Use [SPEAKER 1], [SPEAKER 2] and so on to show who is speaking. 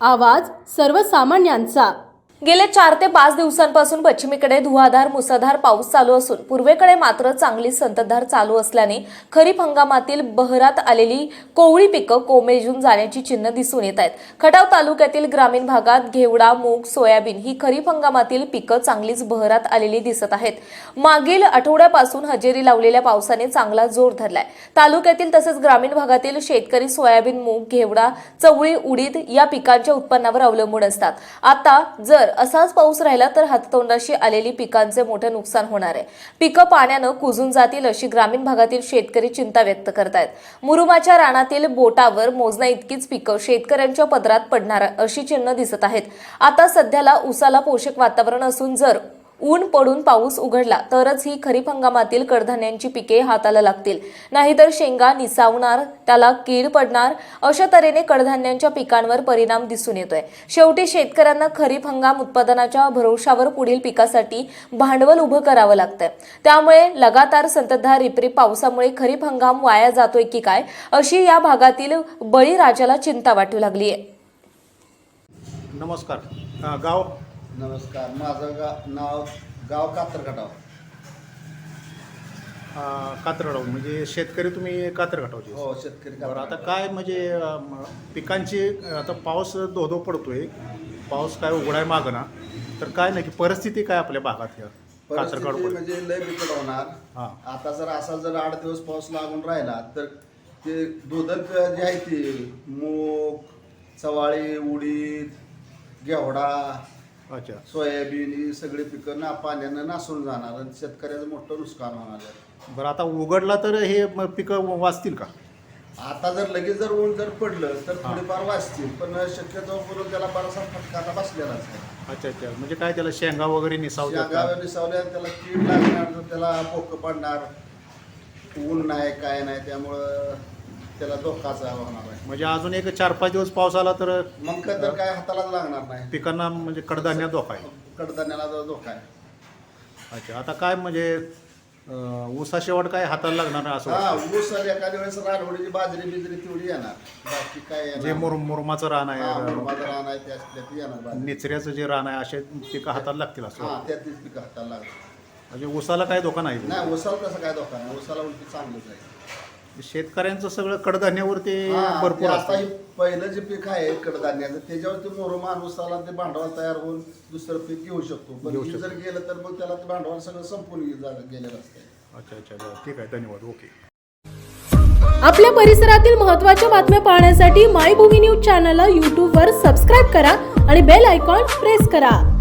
[SPEAKER 1] आवाज सर्वसामान्यांचा।
[SPEAKER 2] गेले 4 ते 5 दिवसांपासून पश्चिमेकडे धुवाधार मुसळधार पाऊस चालू असून पूर्वेकडे मात्र चांगली संततधार चालू असल्याने खरीप हंगामातील बहरात आलेली कोवळी पिकं कोमेजून जाण्याची चिन्ह दिसून येत आहेत। खटाव तालुक्यातील ग्रामीण भागात घेवडा, मूग, सोयाबीन ही खरीप हंगामातील पिकं चांगलीच बहरात आलेली दिसत आहेत। मागील आठवड्यापासून हजेरी लावलेल्या पावसाने चांगला जोर धरलाय। तालुक्यातील तसेच ग्रामीण भागातील शेतकरी सोयाबीन, मूग, घेवडा, चवळी, उडीद या पिकांच्या उत्पन्नावर अवलंबून असतात। आता जर असाच पाऊस राहिला तर हाततोंडाशी आलेली पिकांचे मोठे नुकसान होणार आहे। पिकं पाण्याने कुजून जातील अशी ग्रामीण भागातील शेतकरी चिंता व्यक्त करतायत। मुरुमाच्या रानातील बोटावर मोजण्या इतकीच पिकं शेतकऱ्यांच्या पदरात पडणार अशी चिन्ह दिसत आहेत। आता सध्याला ऊसाला पोषक वातावरण असून जर ऊन पडून पाऊस उघडला तरच ही खरीप हंगामातील कडधान्यांची पिके हाताला लागतील, नाहीतर शेंगा निसावणार, त्याला कीड पडणार, अशा तऱ्हेने कडधान्यांच्या पिकांवर परिणाम दिसून येतोय। शेवटी शेतकऱ्यांना खरीप हंगाम उत्पादनाच्या भरोशावर पुढील पिकासाठी भांडवल उभं करावं लागतंय। त्यामुळे लगातार संततधार रिपरिप पावसामुळे खरीप हंगाम वाया जातोय की काय अशी या भागातील बळीराजाला चिंता वाटू लागली आहे।
[SPEAKER 3] नमस्कार, गाव
[SPEAKER 4] नमस्कार, माझं गाव कात्रखटाव।
[SPEAKER 3] कात्रखटाव म्हणजे शेतकरी तुम्ही कात्रखटावचे?
[SPEAKER 4] हो, शेतकरी।
[SPEAKER 3] बरं, आता काय म्हणजे पिकांची आता पाऊस धो पडतोय, पाऊस काय उघडाय मागना, तर काय नाही की परिस्थिती काय आपल्या भागात
[SPEAKER 4] कात्रखटाव म्हणजे लय बिकट होणार।
[SPEAKER 3] हां,
[SPEAKER 4] आता जर असा जर 8 दिवस पाऊस लागून राहिला तर ते दोदक जे आहे ते मूग, चवाळी, उडीद, घेवडा,
[SPEAKER 3] अच्छा,
[SPEAKER 4] सोयाबीन ही सगळी पिकं पाण्यानं नासून जाणार आणि शेतकऱ्याचं मोठं नुकसान होणार आहे।
[SPEAKER 3] बरं, आता उघडला तर हे पिकं वाचतील का?
[SPEAKER 4] आता जर लगेच जर ऊन जर पडलं तर थोडीफार वाचतील, पण शक्यतो करून त्याला बराचसा फटका आता बसलेलाच आहे।
[SPEAKER 3] अच्छा अच्छा, म्हणजे काय त्याला शेंगा वगैरे निसावल्या?
[SPEAKER 4] शेंगा निसावल्या, त्याला कीड लागणार, तर त्याला पोकं पडणार, ऊन नाही काय नाही, त्यामुळं त्याला धोकाचा होणार आहे।
[SPEAKER 3] म्हणजे अजून एक 4-5 दिवस पाऊस आला तर
[SPEAKER 4] मग तर काय हातालाच लागणार नाही,
[SPEAKER 3] पिकांना म्हणजे कडधान्य धोका आहे,
[SPEAKER 4] कडधान्याला धोका आहे।
[SPEAKER 3] अच्छा, आता काय म्हणजे ऊसा शेवट काय हाताला लागणार नाही असं?
[SPEAKER 4] हा, ऊस एखाद्या वेळेस रानवडीची बाजरी बिजरी तेवढी येणार, बाकी काय येणार?
[SPEAKER 3] जे मुरुमाचं रान आहे,
[SPEAKER 4] रान आहे त्यात येणार,
[SPEAKER 3] निचऱ्याचं जे रान आहे, असे पिकं हाताला लागतील असं?
[SPEAKER 4] हा, त्यातलीच पिकं हाताला लागणार।
[SPEAKER 3] म्हणजे ऊसाला काय धोका नाही?
[SPEAKER 4] नाही, ऊसाला तसं काय धोका नाही, ऊसाला उलटी चांगलंच आहे।
[SPEAKER 3] शेतकऱ्यांचं सगळं कडधान्यावरती
[SPEAKER 4] हा,
[SPEAKER 3] भरपूर
[SPEAKER 4] आता
[SPEAKER 3] असतं।
[SPEAKER 4] पहिलं जे पीक आहे कडधान्याचं त्याच्यावरती मोरमान ऊसाला ते भांडवल तयार होऊन दुसरं पीक घेऊ शकतो, पण हे जर गेलं तर मग त्याला ते भांडवल सगळं संपून गेलेलं असतं।
[SPEAKER 3] अच्छा अच्छा, ठीक आहे, धन्यवाद, ओके।
[SPEAKER 1] आपल्या परिसरातील महत्त्वाच्या बातम्या पाहण्यासाठी मायभूमी न्यूज चॅनलला YouTube वर सबस्क्राईब करा आणि बेल आयकॉन प्रेस करा।